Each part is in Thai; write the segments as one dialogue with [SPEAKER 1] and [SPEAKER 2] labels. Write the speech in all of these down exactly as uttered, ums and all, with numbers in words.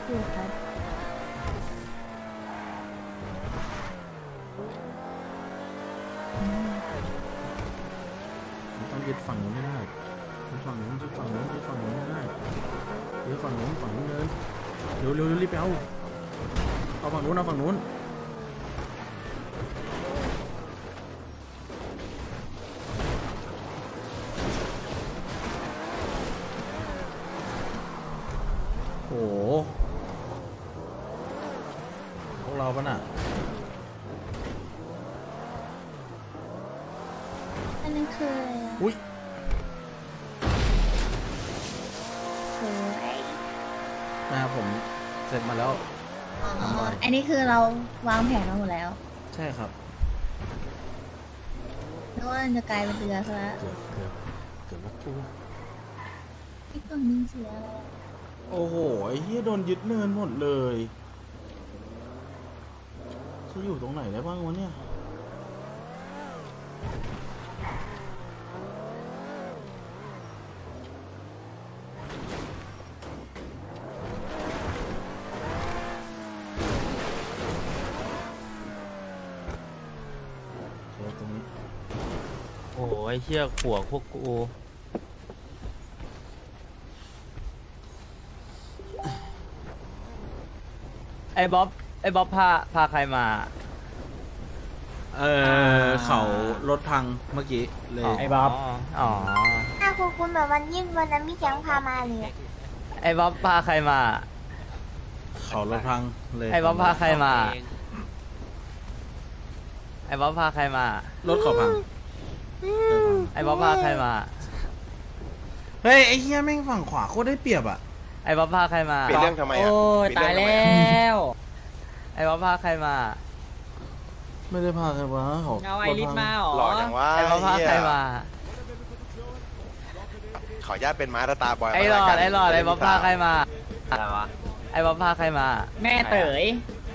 [SPEAKER 1] อยู่ครับ
[SPEAKER 2] ต้องยึดฝั่งนู้นไม่ได้ยึดฝั่งนู้นยึดฝั่งนู้นยึดฝั่งนู้นไม่ได้ยึดฝั่งนู้นฝั่งนู้นเลยเร็วเร็วรีบไปเอาเอาฝั่งนู้นเอาฝั่งนู้นโอ้โหพวกเราปะน่ะ
[SPEAKER 1] อันนั้นคืออะไรอะ
[SPEAKER 2] อุ้ย
[SPEAKER 1] สวย
[SPEAKER 2] นะครับผมเสร็จมาแล้ว
[SPEAKER 1] อ๋อ
[SPEAKER 2] ทำอะไร
[SPEAKER 1] อันนี้คือเราวางแผนมาหมดแล้ว
[SPEAKER 2] ใช่ครับ
[SPEAKER 1] นึกว่าจะกลายเป็นเรือซะแล้ว
[SPEAKER 2] เกือบเกือบเกือบว่ากู
[SPEAKER 1] ไอ้กล่องนึงเสียอะไรอะ
[SPEAKER 2] โอ้โหไอ้เหี้ยโดนยึดเนินหมดเลยจะอยู่ตรงไหนได้บ้างวะเนี่ยเจอตรงนี้
[SPEAKER 3] โอ้ยเชี่ยขัวพวกกูไอ้บ๊อบไอ้บ๊อบพาพาใครมา
[SPEAKER 2] เออเขารถพังเมื่อกี้เลย
[SPEAKER 3] ไอ้บ๊อบอ๋อ
[SPEAKER 4] ถ้าคุณคุณแบบวันยิ่งวันนั้นพี่แก๊งพามาเลยอะ
[SPEAKER 3] ไอ้บ๊อบพาใครมา
[SPEAKER 2] เขารถพังเลย
[SPEAKER 3] ไอ้บ๊อบพาใครมา ไอ้บ๊อบพาใครมา
[SPEAKER 2] รถเขาพัง
[SPEAKER 3] ไอ้บ๊อบพาใครมา
[SPEAKER 2] เฮ้ยไอ้เหี้ยแม่งฝั่งขวาโคตรได้เปรียบอ่ะ
[SPEAKER 3] ไอ้บ๊อบพาใครมา
[SPEAKER 5] เปลี่ยนเรื่องทำไมอ่ะ
[SPEAKER 3] โอ้ย
[SPEAKER 5] เปลี่
[SPEAKER 3] ตาย
[SPEAKER 5] นเรื่องทำไม
[SPEAKER 3] แล้
[SPEAKER 5] อะ
[SPEAKER 3] ว ไอ้บ๊อบพาใครมา
[SPEAKER 2] ไม่ได้พาใครมาเขา
[SPEAKER 3] เอาไอริสมาเหรอ
[SPEAKER 5] หล่อจังวะ
[SPEAKER 3] ไอ้บ๊อบพา
[SPEAKER 5] เหี้ย
[SPEAKER 3] ใครมา
[SPEAKER 5] ขออนุญาตเป็นม้าตาตาบอย
[SPEAKER 3] ไอ้หลอ
[SPEAKER 5] มา
[SPEAKER 3] ดไอ้หลอดไอ้บ๊อบพาใครมา
[SPEAKER 6] อะไรวะ
[SPEAKER 3] ไอ้บ๊อบพาใครมา
[SPEAKER 6] แม่เต๋ย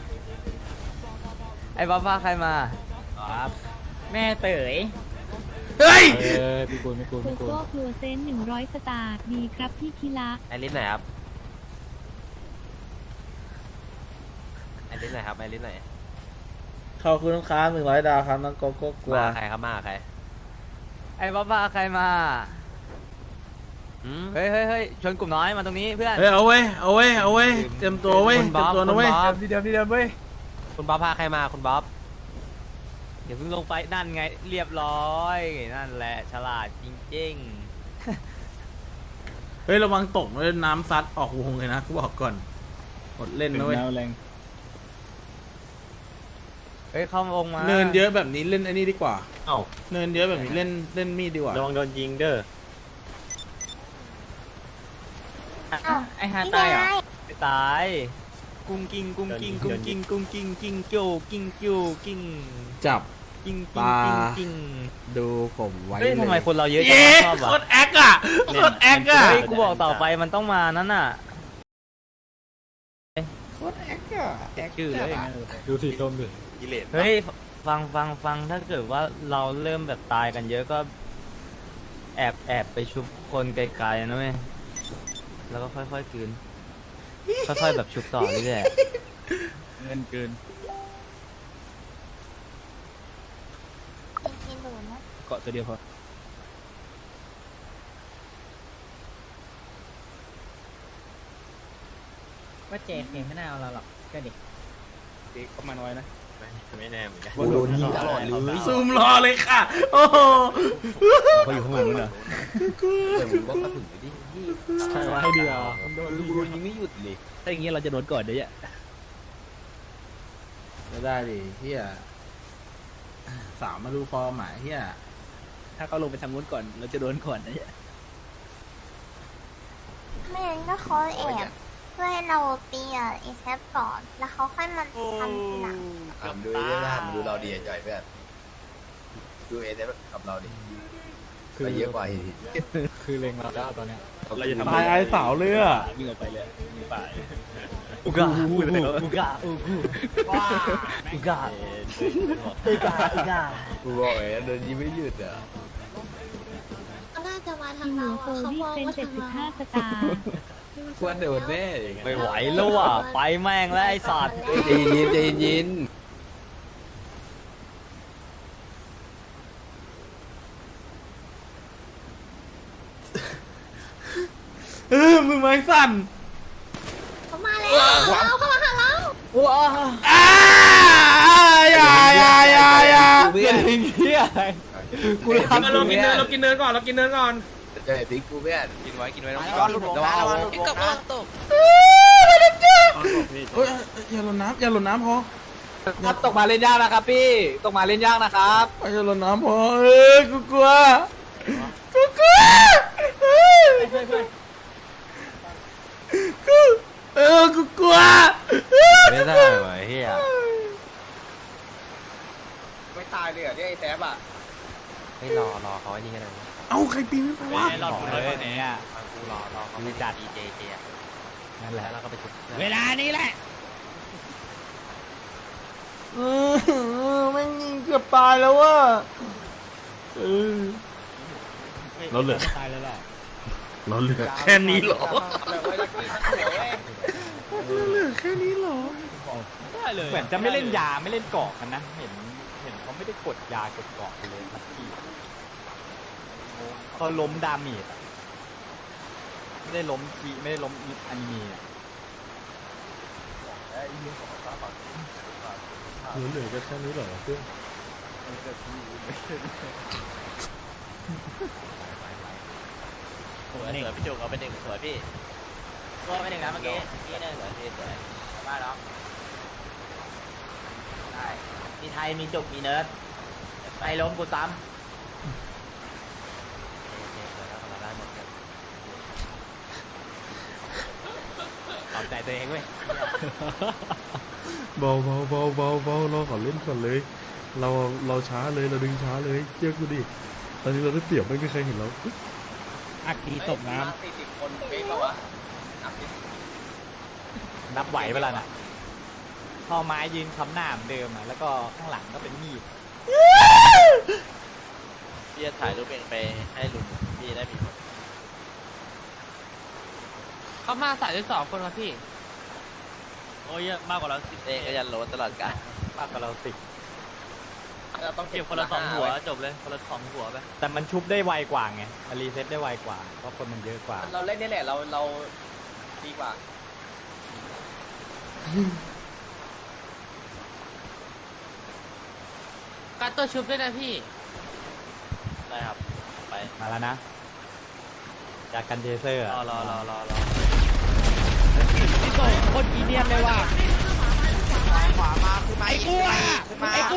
[SPEAKER 3] ไอ้บ๊อบพาใครมา
[SPEAKER 6] ครับ แม่เต๋ย
[SPEAKER 2] เฮ้ย
[SPEAKER 3] เออพี่กูไม่กู
[SPEAKER 7] โก
[SPEAKER 3] ไม่กู
[SPEAKER 7] โก้ครัวเซนหนึ่งร้อยสตาร์ดีครับพี่คิระ
[SPEAKER 6] ไอริสไหนครับไอริสไหนครับไอริสไหน
[SPEAKER 2] ขอบคุณลูกค้าหนึ่งร้อยดาวครับน้องโกโก้กลัว
[SPEAKER 6] มาใครครับมาใคร
[SPEAKER 3] ไอ้บ๊อบพาใครมา
[SPEAKER 6] อืม
[SPEAKER 3] เฮ้ยเฮ้ยเฮ้ยชวนกลุ่มน้อยมาตรงนี้เพื่อน
[SPEAKER 2] เฮ้ยเอาเว้ยเอาเว้ยเอาเว้ยเตรียมตัวเว้ย
[SPEAKER 6] คุณ
[SPEAKER 2] เตรี
[SPEAKER 6] บ๊
[SPEAKER 2] ย
[SPEAKER 6] อ
[SPEAKER 2] ม
[SPEAKER 6] บ
[SPEAKER 2] ตัวนะเว้ย
[SPEAKER 6] คุณบ๊อบ
[SPEAKER 3] ที่เดิมที่เดิมเว้ย
[SPEAKER 6] คุณบ๊อบพาใครมาคุณบ๊อบ
[SPEAKER 3] เดี๋ยวเพิ่งลงไปนั่นไงเรียบร้อยนั่นแหละฉลาดจริง
[SPEAKER 2] เฮ้ยระวังตกเลยน้ำซัดออกวงเลยนะกูบอกก่อนหมดเล่นนะเว้ย
[SPEAKER 3] ๆเฮ้ยเข้าวงมา
[SPEAKER 2] เนินเยอะแบบนี้เล่นไอ้นี่ดีกว่า
[SPEAKER 6] เอ้า
[SPEAKER 2] เนินเยอะแบบนี้เล่นเล่นมีดดีกว่า
[SPEAKER 6] ระวังโดนยิงเด้อ
[SPEAKER 4] อ้าว
[SPEAKER 6] ไอฮา
[SPEAKER 4] พี่
[SPEAKER 6] ตายเหรอ
[SPEAKER 4] ชาย
[SPEAKER 3] ไม่ตายกุ้งกิ้งกุ้งกิ้งกุ้งกิ้งกุ้งกิ้งกิ้งโจกิ้งโจกิ้ง
[SPEAKER 2] จับ
[SPEAKER 3] กิ้ง
[SPEAKER 2] ป
[SPEAKER 3] กิ้ง
[SPEAKER 2] ลา
[SPEAKER 3] กิ้งกิ้ง
[SPEAKER 2] ดูผมไว้
[SPEAKER 3] เฮ้ยทำไม
[SPEAKER 2] เลย
[SPEAKER 3] คนเราเยอะจัง
[SPEAKER 2] เย้
[SPEAKER 3] ชอบ
[SPEAKER 2] โค
[SPEAKER 3] อ่ะ
[SPEAKER 2] ตรแอคอะโคตรแอคอะ
[SPEAKER 3] เฮ้ยกูบอกต่อไปมันต้องมานั่นน่ะ
[SPEAKER 2] โคตรแอคอะแอค
[SPEAKER 3] ชื่อ
[SPEAKER 2] จั
[SPEAKER 3] เล
[SPEAKER 2] ด
[SPEAKER 3] ย
[SPEAKER 2] อะ
[SPEAKER 3] ดูสีส้มดิ
[SPEAKER 5] กิเลส
[SPEAKER 3] เฮ้ยฟังฟังฟังถ้าเกิดว่าเราเริ่มแบบตายกันเยอะก็ แอบแอบไปชุบคนไกลๆนะเว้ยแล้วก็ค่อยๆกืนค่อยๆแบบชุบต่อเรื่อย
[SPEAKER 6] เงินเกิน
[SPEAKER 4] กินหนูนะ
[SPEAKER 6] เกาะตัวเดียวพอ ว่าเจเคไม่น่าเอาเราหรอกก็ดิเด็กก็มาน้อยนะไม่ไม่แน่เหมือนกัน
[SPEAKER 5] โดนยิงตลอดเลย
[SPEAKER 2] ซูมรอเลยค่ะ โอ้โห
[SPEAKER 3] เขาอยู่ข้างหลังเหรอ
[SPEAKER 6] ใช่ให้ดีอ่ะ
[SPEAKER 3] โดนยิงไม่หยุดเลย
[SPEAKER 6] ถ้าอย่างงี้เราจะโดนก่อนเดี๋ยวเนี่ย
[SPEAKER 2] ไม่ได้ดิเฮียสามมาดูฟอร์มหมายเฮีย
[SPEAKER 6] ถ้าเขาลงไปทำนู้นก่อนเราจะโดนก่อนนะเนี่ย
[SPEAKER 4] ไม่งั้นก็เขาแอบเพื่อให้เราตีอ่ะไอแซฟก่อน แล้วเขาค่อยมาทำทีหลัง
[SPEAKER 8] ทำดูเรื่องทำดูเราดีใจเพื่อนดูเอเดกับเราดิคือเยอะกว่าอีก
[SPEAKER 6] คือเลงเราได้ตอนเนี้ย
[SPEAKER 8] เราจะทำ
[SPEAKER 2] ตายไอ้สาวเลยอะ
[SPEAKER 6] วิ่งออกไปเลยมีป่า
[SPEAKER 3] อุกาอุกาอุกาอุกาอุกาอุกาอุกา
[SPEAKER 8] กูบอกเลยเดินยิ้มไม่หยุดอ่ะ
[SPEAKER 4] ก็น่าจะมาทา
[SPEAKER 7] คิ
[SPEAKER 4] ง
[SPEAKER 7] ว
[SPEAKER 4] เรา
[SPEAKER 7] โฟ
[SPEAKER 4] อะเขา
[SPEAKER 7] วี่
[SPEAKER 4] มอง
[SPEAKER 7] เซน
[SPEAKER 4] ว่า
[SPEAKER 7] เจ็ด
[SPEAKER 4] ทาง
[SPEAKER 7] สิบ
[SPEAKER 4] เรา
[SPEAKER 7] ห้าสตาร์
[SPEAKER 8] ควรโดนแน่อย่างเงี้ย
[SPEAKER 3] ไม่ไหวแล้วว่ะไปแม่งแล้วไอ้สัตว์
[SPEAKER 8] ใจเย็นใจเย็น
[SPEAKER 2] เออมึงไม้สั่น
[SPEAKER 4] เขามาแล้วเขามาหาเรา
[SPEAKER 2] อ้าอย่าอย่าอย่าอย่า
[SPEAKER 8] เพื่อน
[SPEAKER 3] เฮีย
[SPEAKER 8] กูทำ
[SPEAKER 6] เรากินเนื้อเรากินเนื้อก่อนเรากินเนื้อก่อน
[SPEAKER 8] เจอพิกกูเพื่อน
[SPEAKER 5] กินไว้กินไว้น้อง
[SPEAKER 8] ระวังระวังระวัง
[SPEAKER 5] พี่กบระวังตก
[SPEAKER 2] เอ้ยอย่าหล่นน้ำอย่าหล่นน้ำพอ
[SPEAKER 6] ครับตกมาเล่นยากนะครับพี่ตกมาเล่นยากนะครับ
[SPEAKER 2] อย่าหล่นน้ำพอเออกูกลัวกูกลัวกูเออกูกลัว
[SPEAKER 3] ไม่ได้ว่ะเฮีย
[SPEAKER 6] ไม่ตายเลยอ่ะที่ไอ้แท็บอ่ะ
[SPEAKER 3] ไม่รอรอเขาไอ้นี่กันเลย
[SPEAKER 2] เอาใครปีนขึ้นไปวะ
[SPEAKER 3] รอเลยเนี่ยกูรอรอเขาไม่จัดดีเจเจนั่นแหละแล้วก็ไปจุดเวลานี้แหละ
[SPEAKER 2] เออแม่งยิงเกือบตายแล้วว่ะเออเราเหลือ
[SPEAKER 3] ตายแล้วล่ะ
[SPEAKER 2] เราเหลือแค่นี้เหรอเราเหลือแค่นี้เหรอ
[SPEAKER 3] เหมือนจะไม่เล่นยาไม่เล่นเกาะกันนะเห็นเห็นเขาไม่ได้กดยากดเกาะเลยลักกี้เขาล้มดาเมจอะไม่ได้ล้มกีไม่ได้ล้มอนิเมะอะ
[SPEAKER 2] เหลือแค่นี้เหรอเพื่อน
[SPEAKER 3] สวยสวยพี่จุกเอาไปหนึ่งสวยพี่ตัวไปหนึ่งนะเมื่อกี้พี่หนึ่งสวยพี่สวยบ้าเนาะได้มีไทยมีจุกมีเนิร์ดไปล้มกูซ้ำขอบใจตัวเองเว้ย
[SPEAKER 2] เบาเบาเบาเบาเบาเราขอเล่นก่อนเลย เราเราช้าเลยเราดึงช้าเลยเชื่อกูดิตอนนี้เราได้เปรียบไม่มีใครเห็นเรา
[SPEAKER 3] อักตีตกน้
[SPEAKER 6] สี่สิบคนเป๊ะปะวะ
[SPEAKER 3] ำนับไหวเวลาน่ะพอไม้ยืนคำหน้าเหมือนเดิมอ่ะแล้วก็ข้างหลังก็เป็นมีด
[SPEAKER 9] พี่จะถ่ายรูปเองไปให้ลุงพี่ได้มีคนเขามาสายได้สองคนครับพี่ โอ้ยเยอะมากกว่าเราสิบเองก็ยันโหลตลอดการ
[SPEAKER 3] มากกว่าเราสิบ
[SPEAKER 6] เราต้อง
[SPEAKER 9] เก็บคนละสองหัวจบเลยคนละสองหัวไป
[SPEAKER 3] แต่มันชุบได้ไวกว่าไงมันรีเซ็ตได้ไวกว่าเพราะคนมันเยอะกว่า
[SPEAKER 6] เราเล่นนี่แหละเราเราดีกว่า
[SPEAKER 9] การตัวชุบด้วยนะพี่ได้ครับไป
[SPEAKER 3] มาแล้วนะจากกันเจเซอร์
[SPEAKER 9] รอรอรอรอรอ
[SPEAKER 3] พี่โตโคตรกีเนียนเลยว่ะ
[SPEAKER 9] ขวามาคือไม้ไอ้กูอ่ะไอ้กู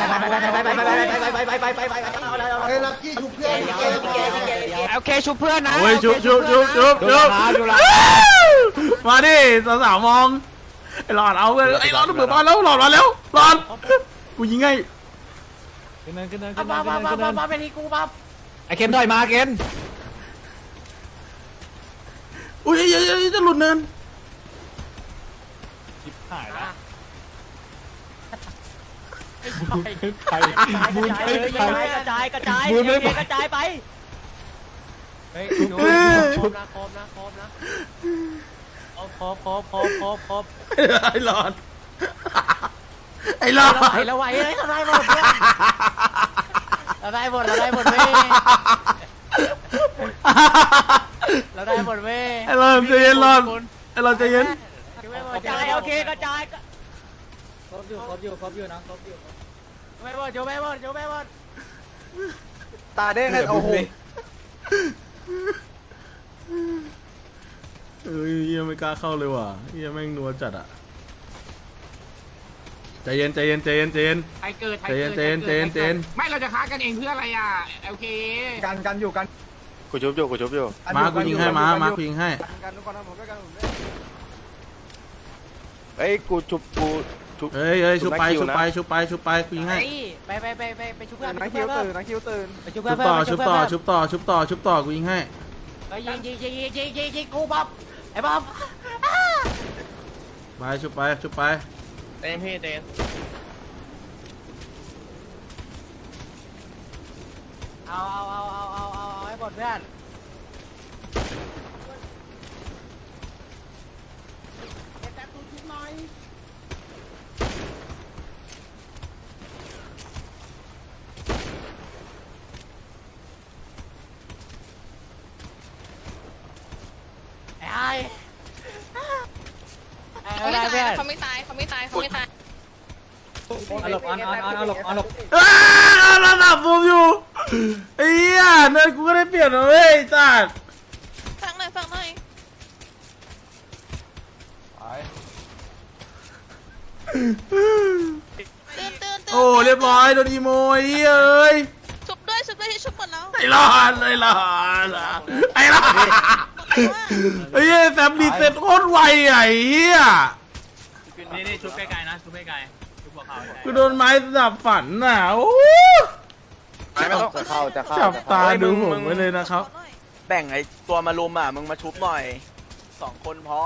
[SPEAKER 3] โอเคชุบเพื่อนนะ
[SPEAKER 2] เฮ้ยชุบชุบชุบชุบชุบมาดิสาวสาวมองไอ้หลอดเอาเลยไอ้หลอดเปิดบ้านแล้วหลอดมาแล้วหลอดกูยิงไง
[SPEAKER 3] ขึ้นเนินขึ้นเนิน
[SPEAKER 9] มา
[SPEAKER 3] ขึ้นเนิ
[SPEAKER 9] มาน มา
[SPEAKER 3] ขึ้น
[SPEAKER 9] มา
[SPEAKER 3] เนิ
[SPEAKER 9] มาน มาเป็นที่กูปั๊บ
[SPEAKER 3] ไอเคนถอยมาเคน
[SPEAKER 2] อุ้ยจะหลุดเนิน
[SPEAKER 3] ชิบหายละ
[SPEAKER 9] ไปบุญไปกระจายกระจายกระจายไป
[SPEAKER 3] เฮ้ย
[SPEAKER 9] ครบนะครบนะครบนะครบครบครบครบครบ
[SPEAKER 2] ไอ้หลอดไอ้หลอด
[SPEAKER 9] เราไหวเลยเราได้หมดเพื่อนเราได้หมดเราได้หมดเว้ยเราได้หมดเว้ย
[SPEAKER 2] ไอ้หลอดใจเย็นหลอดไอ้หลอดใจเย็น
[SPEAKER 9] กระจายโอเคกระจาย
[SPEAKER 6] ครบอยู่ครบอยู่ครบอยู่นะครบอยู่
[SPEAKER 9] ไม่หมดโยไม่หมดโยไม่หมด
[SPEAKER 6] ตาเด้งโอ้โห
[SPEAKER 2] เอ้ยเฮียไม่กล้าเข้าเลยว่ะเฮียแม่งนัวจัดอ่ะใจเย็นใจเย็นใจเย็นใจเย็น
[SPEAKER 6] ไทเกิดไท
[SPEAKER 2] ใจ
[SPEAKER 6] เกิ
[SPEAKER 2] เย็
[SPEAKER 6] ด
[SPEAKER 2] นใจเย็นใจเย็นใจเย็น
[SPEAKER 6] ไม่เราจะค้ากันเองเพื่ออะไรอ่ะโอเคกันกันอยู่กัน
[SPEAKER 5] กูชุบอยู่กูชุบอยู่
[SPEAKER 2] มากูยิงให้มามากูยิงให้
[SPEAKER 6] กันทุกคนนะผมด้วยกันผมด้วย
[SPEAKER 5] เอ้ยกูชุบกูชุบ
[SPEAKER 2] เฮ้ยเฮ้ยชุบไป
[SPEAKER 5] ชุ
[SPEAKER 2] ชุ
[SPEAKER 5] บบ นะ
[SPEAKER 2] ไปชุบไปชุบไปกูยิงให้
[SPEAKER 9] ไปไปไปไปไปชุบเพื่อน
[SPEAKER 6] นักคิวตื่นนักคิวตื่น
[SPEAKER 9] ไปชุบ
[SPEAKER 2] ชุ
[SPEAKER 9] เพื่อบ น
[SPEAKER 2] ต่อชุบต่อชุบต่อชุบต่อชุบต่อกูยิงให้
[SPEAKER 9] ไปยิงยิงยิงยิงยิงยิงยิงกูบ๊อบไอ้บ๊อบ
[SPEAKER 2] ไปชุบไปชุบไป
[SPEAKER 9] เต็มพี่เต็มเอาเอาเอาเอาเอาเอาให้หมดเพื่อนเพื่อนเขาไม่ตายเขาไม่ตายเขาไม่ตาย
[SPEAKER 6] เอาหลบออนออนออนเอาหลบเอาหลบ
[SPEAKER 2] อ้าวเราดับผมอยู่ไอ้เหี้ยเนินกูก็ได้เปลี่ยนนะเว้ยจัด
[SPEAKER 9] ฟังหน่อยฟังหน่อยตื่นตื่นตื่น
[SPEAKER 2] โอ้เรียบร้อยโดนอีโมไอ้เหี้ยเอ้ย
[SPEAKER 9] ชุบด้วยชุบด้วยที่ชุบหมดแล้ว
[SPEAKER 2] ไอ้รอดไอ้รอดไอ้รอดไอ้เหี้ยแซมดีเซ็ตโคตรไวอ่ะไอ้เหี้ย
[SPEAKER 6] นี่นี่ชุบไกลๆนะชุบไกลๆชุบหัวเขา
[SPEAKER 2] กูโดนไม้ดับฝันน่ะโอ้
[SPEAKER 5] ไม่ต้องจะเข้าจะเข้า
[SPEAKER 2] จับตาดูผมไว้เลยนะครับ
[SPEAKER 5] แบ่งไอ้ตัวมารุมอ่ะมึงมาชุบหน่อยสองคนพอ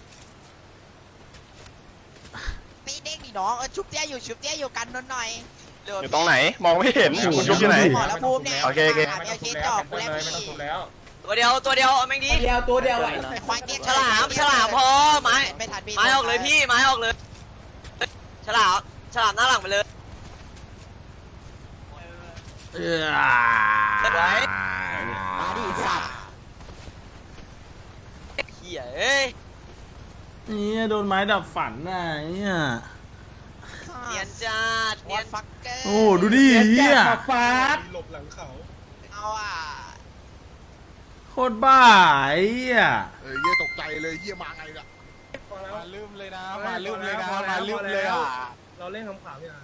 [SPEAKER 9] ตีเด้งดิน้องเออชุบเตี้ยอยู่ชุบเตี้ยอยู่กันนนหน่อย
[SPEAKER 5] อยู่ตรงไหนมองไม่เห็นคุณชุบที่ไหน
[SPEAKER 9] หมอแล้วภูมิเนี่ย
[SPEAKER 5] โอเคโอเค
[SPEAKER 9] เอเคจอกกูแล้วพี่
[SPEAKER 5] ตัวเดียวตัวเดียวเอาแม่งดี
[SPEAKER 6] เดียวตัวเดียว
[SPEAKER 9] ไอ้ควายเตี้ย
[SPEAKER 5] ฉลามฉลามพอไม้
[SPEAKER 9] ไม่ทันพี่
[SPEAKER 5] ไม้ออกเลยพี่ไม้ออกเลยฉลามฉลามหน้าหลังไปเลย
[SPEAKER 2] เอ้ย
[SPEAKER 5] มาดิสัตว์เหี้ยเอ้ย
[SPEAKER 2] นี่โดนไม้ดับฝันน่ะเนี่ย
[SPEAKER 5] เนียนจัด
[SPEAKER 9] เนี
[SPEAKER 5] เนี
[SPEAKER 9] ย
[SPEAKER 5] ย
[SPEAKER 9] น
[SPEAKER 5] น
[SPEAKER 9] ฟักเกอร์
[SPEAKER 2] โอ้ดูดิเฮีย
[SPEAKER 6] ฟาด
[SPEAKER 9] เอาอ่ะ
[SPEAKER 2] โคตรบ้าไอ้เหี้ย
[SPEAKER 10] เออเยี่ยตกใจเลยเยี่ยมาไงล่ะ
[SPEAKER 5] มาลืมเลยนะมาลืมเลยนะมาลืมเลยอ่ะ
[SPEAKER 6] เราเล่นคำขาวเนี่ย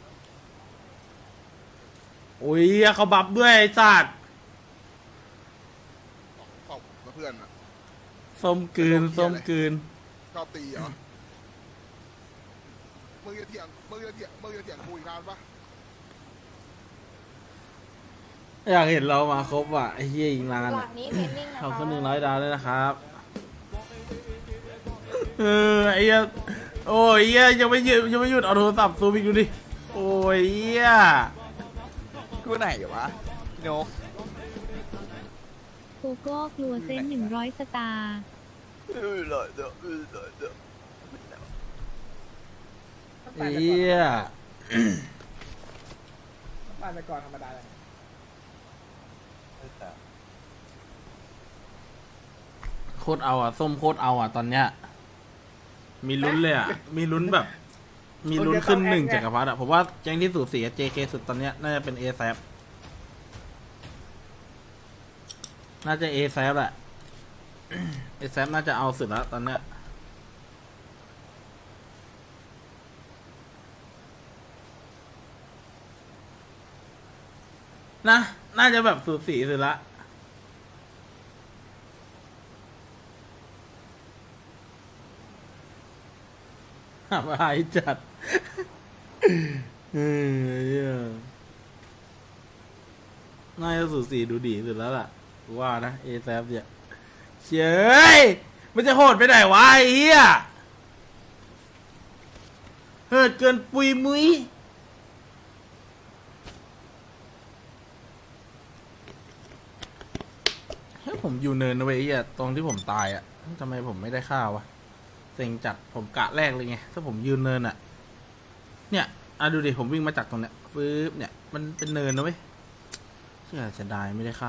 [SPEAKER 2] โอ้ยเขาบัฟด้วยไอ้สัตว์
[SPEAKER 10] ขอบมาเพื่อนอ่ะ
[SPEAKER 2] ส้มกลืนส้มกลืน
[SPEAKER 10] ชอบตีเหรอมึงจะเถียงมึงจะเถียงมึงจะเถียงกูอีกนานปะ
[SPEAKER 2] อยากเห็นเรามาครบว่ะไอ้เหี้ยอีกนาน
[SPEAKER 4] หลั
[SPEAKER 2] อะ
[SPEAKER 4] งนี้เพนนิ่งนะ
[SPEAKER 2] ขอบ
[SPEAKER 4] คะ
[SPEAKER 2] คุณหนึ่งร้อยดาวด้วยนะครับเออไอ้เหี้ยโอ้ยเหี้ยยังไม่หยุดยังไม่หยุดเอาโทรศัพท์ซูมอีกดูดิโอ้ยเหี้ย
[SPEAKER 5] กูไหนวะพี่นก
[SPEAKER 7] โกโก้กลัวเซนหนึ่งร้อยสตาร์
[SPEAKER 5] เออเลยเด้อเออเลยเด้อ
[SPEAKER 2] เหี้ย
[SPEAKER 6] ปั่นไปก่อนธรรมดาเลย
[SPEAKER 2] โคตรเอาอ่ะส้มโคตรเอาอ่ะตอนเนี้ยมีลุ้นเลยอ่ะมีลุ้นแบบ มีลุ้นขึ้นหนึ่งจักรพรรดิอ่ะผมว่าแจ้งที่สูสีกับ เจ เค สุดตอนเนี้ยน่าจะเป็น เอ แซป น่าจะ เอ แซป แหละ เอ แซป น่าจะเอาสุดแล้วตอนเนี้ยนะน่าจะแบบสูสีสุดละหาอะไรจัดเออน่าจะสูสีดูดีสุดแล้วล่ะว่านะ เอ แซป เนี่ยเฉยมันจะโหดไปไหนวะไอ้เหี้ยเหิดเกินปุยมุ้ยเฮ้ยผมอยู่เนินนะเว้ยไอ้เหี้ยตรงที่ผมตายอ่ะทำไมผมไม่ได้ข้าววะเซ็งจัดผมกะแรกเลยไงถ้าผมยืนเนินอ่ะเนี่ยอ่ะดูดิผมวิ่งมาจากตรงเนี้ยปึ๊บเนี่ยมันเป็นเนินนะเว้ยเชื่อเสียดายไม่ได้ค่า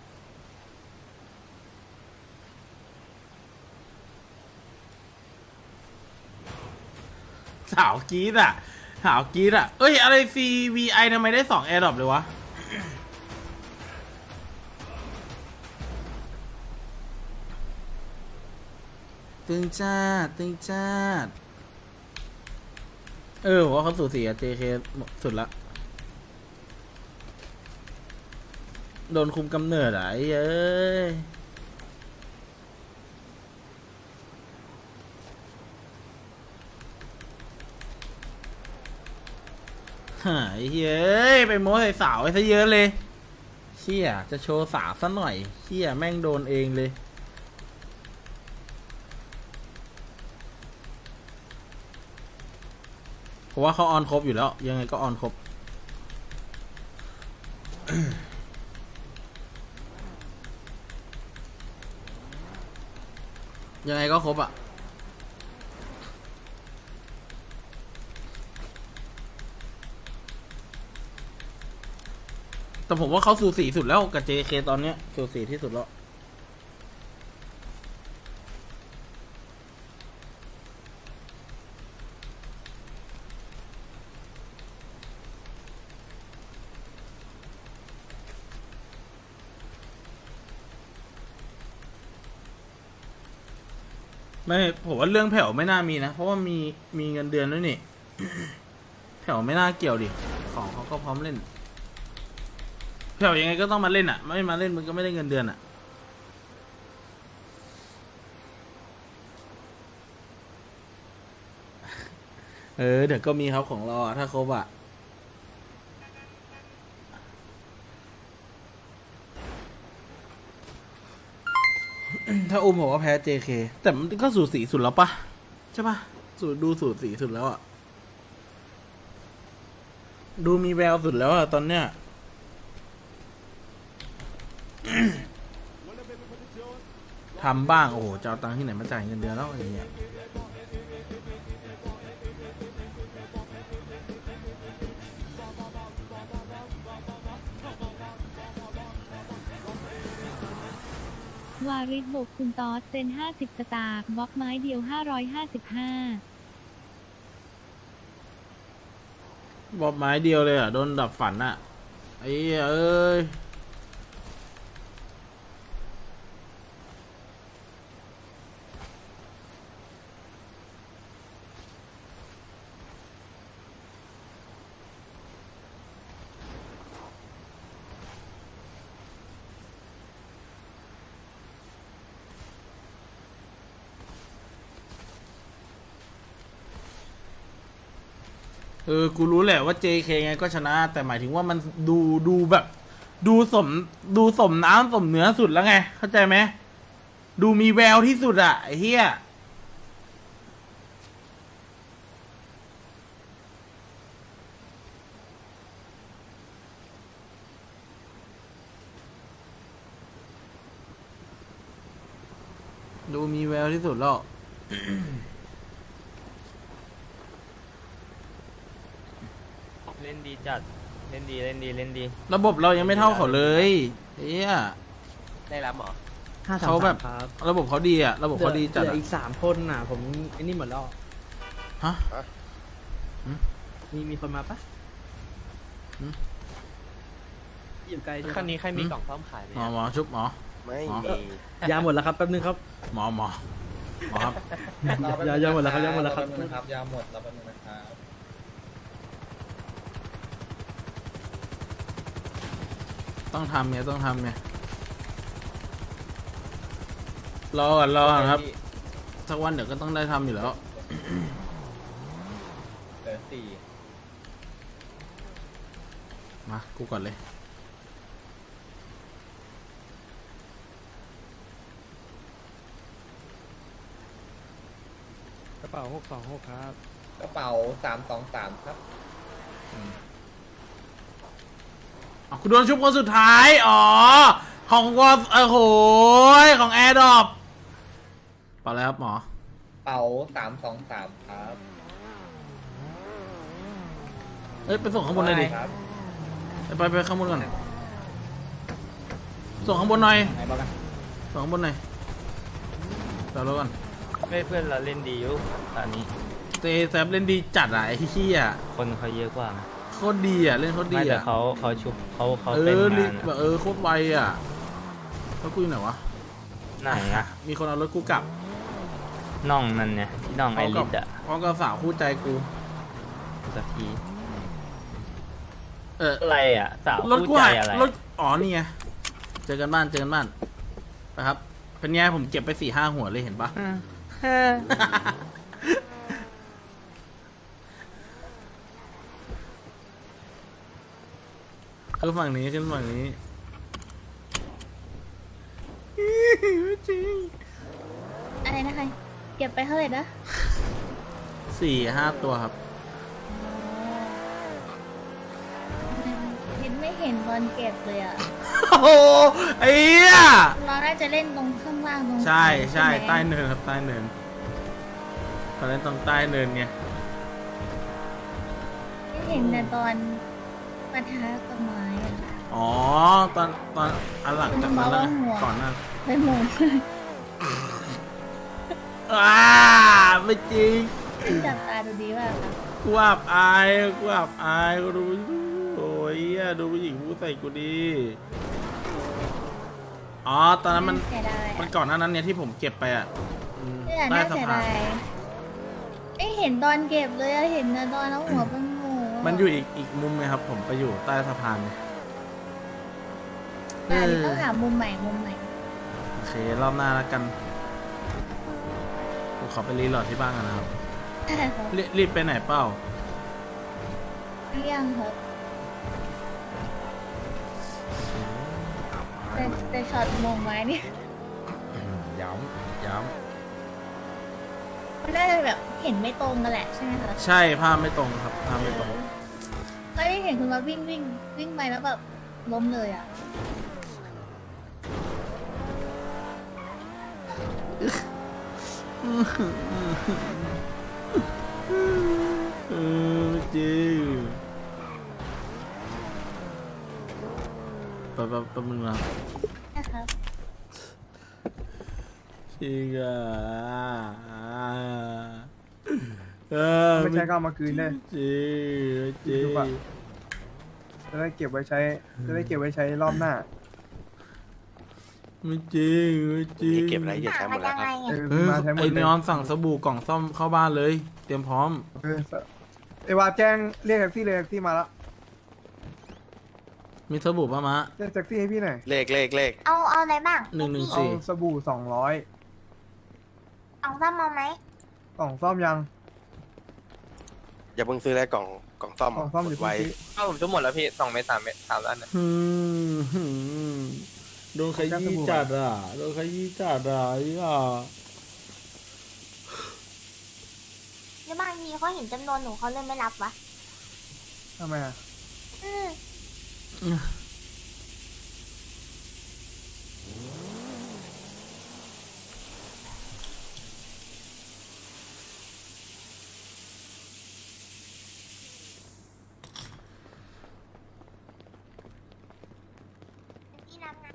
[SPEAKER 2] สาวกรีดอ่ะสาวกรีดอ่ะเอ้ยอะไร ซี วี ไอ ทำไมได้สองแอร์ดรอปเลยวะตึงจ้าตึงจ้าเออผมว่าเขาสูสีกับ เจ เค สุดละโดนคุมกำเนิดอ่ะไอ้เอ้ยหายเฮ้ยไปโม้ใส่สาวไอ้ซะเยอะเลยเชี่ยจะโชว์สาวซะหน่อยเชี่ยแม่งโดนเองเลยผมว่าเขาออนครบอยู่แล้ว ยังไงก็ออนครบ ยังไงก็ครบอ่ะ แต่ผมว่าเขาสูสีสุดแล้วกับ เจ เค ตอนเนี้ยสูสีที่สุดแล้วไม่ผมว่าเรื่องแผ่วไม่น่ามีนะ เพราะว่ามีมีเงินเดือนด้วยนี่ แผ่วไม่น่าเกี่ยวดิของเขาก็พร้อมเล่นแผ่วยังไงก็ต้องมาเล่นอ่ะไม่มาเล่นมึงก็ไม่ได้เงินเดือนอ่ะเออเดี๋ยวก็มีครับของเราอ่ะถ้าครบอ่ะ ถ้าอุ้มบอกว่าแพ้ เจ เค แต่มันก็สูสีสุดแล้วปะใช่ปะสูดูสูสีสุดแล้วอ่ะ ดูมีแววสุดแล้วอ่ะ ตอนเนี้ย ทำบ้าง โอ้โหจะเอาตังค์ที่ไหนมาจ่ายเงินเดือนแล้วอย่างเงี้ยว
[SPEAKER 7] าริสบกคุณตอสเซนห้าสิบสตาร์บล็อกไม้เดียวห้าร้อยห้าสิบห้า
[SPEAKER 2] บอกไม้เดียวเลยอ่ะ โดนดับฝันอ่ะ ไอ้เอ้ย เออ กูรู้แหละว่า เจ เค ไงก็ชนะ แต่หมายถึงว่ามันดูดูแบบ ดูสมดูสมน้ำสมเนื้อสุดแล้วไง เข้าใจไหม ดูมีแววที่สุดอะไอ้เหี้ย ดูมีแววที่สุดแล้ว
[SPEAKER 3] เล่นดีจัดเล่นดีเล่นดีเล่นดี
[SPEAKER 2] ระบบเรายังไม่เท่าเขาเลยเฮีย
[SPEAKER 9] ได้รับหรอ
[SPEAKER 2] เขาแบบระบบเขาดีอะระบบเขาดีจัด
[SPEAKER 6] เหลื
[SPEAKER 2] อะ
[SPEAKER 6] ออีกสามคนน่ะ ผมไอ้นี่หมดแล้ว
[SPEAKER 2] ฮะ
[SPEAKER 6] มีมีคนมาปะ
[SPEAKER 2] หืม
[SPEAKER 6] อยู่ไกลใช่ปะ
[SPEAKER 9] คันนี้ใครมีกล่องซ่อมขายไหม
[SPEAKER 2] หมอหมอชุบหมอ
[SPEAKER 5] ไม่
[SPEAKER 2] อ๋อ
[SPEAKER 5] มี
[SPEAKER 6] ยาหมดแล้วครับแป๊บนึงครับ
[SPEAKER 2] หมอหมอหมอครับ
[SPEAKER 6] ยายาหมดแล้วครับยาหมดแล้วครับ
[SPEAKER 8] ครับยาหมดแล้วเป็นนะครับ
[SPEAKER 2] ต้องทำไงต้องทำไงรอก่อนรอก่อนครับสักวันเดี๋ยวก็ต้องได้ทำอยู่แล้ว
[SPEAKER 8] เหลือสี่
[SPEAKER 2] มากูก่อนเลย
[SPEAKER 6] กระเป๋าหกสองหกครับ
[SPEAKER 8] กระเป๋าสามสองสามครับ
[SPEAKER 2] อ๋อคุณโดนชุบคนสุดท้าย อ๋อ ของวอลโอ้โหของแอร์ดรอปเปล่าแล้วครับหมอ
[SPEAKER 8] เป๋าสามสองสามครับ
[SPEAKER 2] เอ้ยไปส่งข้างบนเลยดิ
[SPEAKER 8] ครับ
[SPEAKER 2] ไปไปไปข้างบนก่อน ส่งข้างบนหน่อย
[SPEAKER 6] ไหนบอกกัน
[SPEAKER 2] ส่งข้างบนหน่อยเดี๋ยวรอก่อน
[SPEAKER 3] ไม่เพื่อนเราเล่นดีอยู่ตอนนี้
[SPEAKER 2] เจแซมเล่นดีจัดอะไอ้เหี้ย
[SPEAKER 3] คนเขาเยอะกว่านะ
[SPEAKER 2] โคตรดีอะเล่นโคตรดี
[SPEAKER 3] ไม่แต่
[SPEAKER 2] อะ
[SPEAKER 3] เขาเขาชุบเขาเขา
[SPEAKER 2] เอ
[SPEAKER 3] เป็น
[SPEAKER 2] อรี
[SPEAKER 3] งาน
[SPEAKER 2] แบบเออโคตรไวอะแล้วกูอยู่ไหนวะ
[SPEAKER 3] ไหนอะ
[SPEAKER 2] มีคนเอารถกูกลับ
[SPEAKER 3] น่องนั่นเนี่ยที่น่องไอริสอะ
[SPEAKER 2] พร้อมกับสาวคู่ใจกู
[SPEAKER 3] สักที
[SPEAKER 2] เออ
[SPEAKER 3] อะไรอะสาว
[SPEAKER 2] รถ
[SPEAKER 3] คู่
[SPEAKER 2] กู
[SPEAKER 3] ใจ
[SPEAKER 2] หาย
[SPEAKER 3] อะไร
[SPEAKER 2] รถอ๋อนี่ไงเจอกันบ้านเจอกันบ้านไปครับเป็นไงผมเก็บไปสี่ห้าหัวเลยเห็นปะ คือฝั่งนี้ขึ้นฝั่งนี้ไม่จริง
[SPEAKER 1] อะไรนะคะเก็บไปเท่าไหร่นะ
[SPEAKER 2] สี่ห้าตัวครับ
[SPEAKER 1] เห็นไม่เห็นตอนเก็บเลยอ่ะ
[SPEAKER 2] โอ้โหไอ้เหี้ย
[SPEAKER 1] เราน่าจะเล่นตรงข้างล่างตรง
[SPEAKER 2] ใช่ใช่
[SPEAKER 1] ไหม
[SPEAKER 2] ใต้เนินครับใต้เนินตอนนั้นตรงใต้เนินไง
[SPEAKER 1] ไม่เห็นแต่ตอนปะทะกับไม้อะ
[SPEAKER 2] อ๋อตอนตอนอันหลังจากนั้นแล้วก่อนหนั้น
[SPEAKER 1] ไปหมด
[SPEAKER 2] อ่าไม่จริง
[SPEAKER 1] จับตาดูดีมากค่ะ
[SPEAKER 2] กูอับอายกูอับอายกูดูโอ้ยเหี้ยดูผู้หญิงพูดใส่กูดีอ๋อตอนนั้นมัน
[SPEAKER 1] เสียดาย
[SPEAKER 2] มัน
[SPEAKER 1] อะ
[SPEAKER 2] ก่อนหน้านั้นเนี่ยที่ผมเก็บไปอ่ะอืม
[SPEAKER 1] เนี่ย
[SPEAKER 2] ใต้
[SPEAKER 1] น่า
[SPEAKER 2] สะ
[SPEAKER 1] เสีย
[SPEAKER 2] พา
[SPEAKER 1] ดาน ยไม่เห็นตอนเก็บเลยอะเห็นแต่ตอนเอาหัวเป็นหมู
[SPEAKER 2] มันอยู่อีกอีกมุมไงครับ ผมไปอยู่ใต้สะพานไง
[SPEAKER 1] แต่อันนี้ต้องหามุมใหม่มุมใหม่
[SPEAKER 2] โอเค รอบหน้าแล้วกันผมขอไปรีโหลดที่บ้านกันนะครับ
[SPEAKER 1] ใช่ครับ
[SPEAKER 2] รีรีบไปไหนเปล่า
[SPEAKER 1] เรี่ยงครับแต่แต่ช็อตมงไว้เนี่ย
[SPEAKER 2] อืมย้ำย้
[SPEAKER 1] มันน่าจะแบบเห็นไม่ตรงกันแหละใช่ไหมคะ
[SPEAKER 2] ำใช่ภาพไม่ตรงครับภาพไม่ตรง
[SPEAKER 1] ก็ได้เห็นคุณมาวิ่งวิ่งวิ่งไปแล้วแบบล้มเลยอ่ะ
[SPEAKER 2] เออจริงแป๊บแป๊บแป๊บนึงนะ
[SPEAKER 1] นะครับ
[SPEAKER 2] จริงอ่ะเออ
[SPEAKER 11] ไม่ใช่ก็เอามาคืนเลย
[SPEAKER 2] จริงจริง
[SPEAKER 11] จะได้เก็บไว้ใช้ จะได้เก็บไว้ใช้รอบหน้า
[SPEAKER 2] ไม่จริงไม่จริง
[SPEAKER 5] เก็บอะไรอย่า
[SPEAKER 4] หา
[SPEAKER 5] ใช้หม
[SPEAKER 4] มา
[SPEAKER 5] ดแล้
[SPEAKER 4] ยั
[SPEAKER 5] ว
[SPEAKER 4] ง
[SPEAKER 5] ค
[SPEAKER 4] ไง
[SPEAKER 5] รับ
[SPEAKER 4] อ่ะ
[SPEAKER 11] เออ
[SPEAKER 2] เออ
[SPEAKER 11] มาใช้หม
[SPEAKER 2] ไอ้
[SPEAKER 11] ดเลย
[SPEAKER 2] นอนสั่งสบู่กล่องซ่อมเข้าบ้านเลย เตรียมพร้อม
[SPEAKER 11] เออเอวาแจ้งเรียกแท็กซี่เลยแท็กซี่มาแล้ว
[SPEAKER 2] มีสบู่ป่ะมะ
[SPEAKER 11] เรียกแท็กซี่ให้พี่หน่อย
[SPEAKER 5] เลขเลขเลข
[SPEAKER 4] เอาเอาอะไรบ้าง
[SPEAKER 2] หนึ่งหนึ่ง
[SPEAKER 11] เอา
[SPEAKER 2] สี่
[SPEAKER 11] สบู่สองร้อย
[SPEAKER 4] เอาซ้ำมาไหม
[SPEAKER 11] กล่องซ่อมยัง
[SPEAKER 5] อย่าเพิ่งซื้อได้กล่องกล่องซ่อม
[SPEAKER 11] กล่องซ่อมอยู่
[SPEAKER 5] ไว้
[SPEAKER 11] ที่
[SPEAKER 9] ถ้าผมชุบหมดแล้วพี่สองเมตรสามเมตรสามล้านนะ
[SPEAKER 2] อืมหืมโดนขยี้จัดอ่ะโดนขยี้จัดอ่ะไอ้อ่ะ
[SPEAKER 4] หรือบางทีเขาเห็นจำนวนหนูเขาเลยไม่รับวะ
[SPEAKER 11] ทำไมอ่ะ
[SPEAKER 4] อืม ที่รับนะ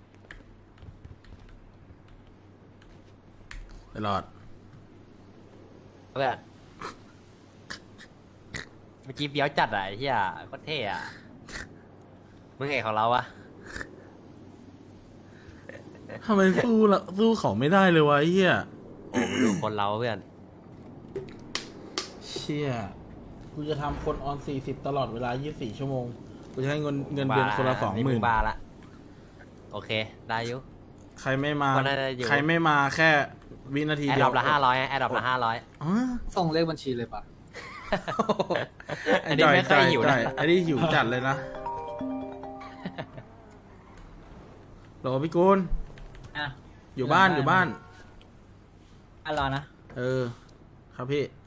[SPEAKER 2] ตลอด
[SPEAKER 3] เพื่อนเมื่อกี้เบี้ยวจัดอะไอ้เหี้ยโคตรเท่อะมึงเห็นของเราวะ
[SPEAKER 2] ทำไมสู้ละสู้เขาไม่ได้เลยวะไอ้เหี้ย
[SPEAKER 3] โอ้ดูคนเราเพื่อน
[SPEAKER 2] เชี่ยกูจะทำคนออนสี่สิบตลอดเวลายี่สิบสี่ชั่วโมงกูจะให้เงินเงินเดือนคนละสองหมื่น
[SPEAKER 3] บาทละโอเคได้อยุ
[SPEAKER 2] ใครไม่มา
[SPEAKER 3] ก็น่าจะอยู่
[SPEAKER 2] ใครไม่มาแค่วินาที
[SPEAKER 3] แอด
[SPEAKER 2] เดี
[SPEAKER 3] ด
[SPEAKER 2] ย
[SPEAKER 3] อ
[SPEAKER 2] ว
[SPEAKER 3] ปละห้าร้อยแอดดอปละห้าร้อย
[SPEAKER 2] อ๋อ
[SPEAKER 6] ส่งเลขบัญชีเลยปะ
[SPEAKER 3] อันนี้ไม่ค่อยหิวนะ
[SPEAKER 2] จ่อันนี้หิวจัดเลยนะโหลพี่กุล
[SPEAKER 6] อ่ะ
[SPEAKER 2] อยู่บ้านอยู่บ้าน
[SPEAKER 6] อ่ะรอนะ
[SPEAKER 2] เออ ครับพี่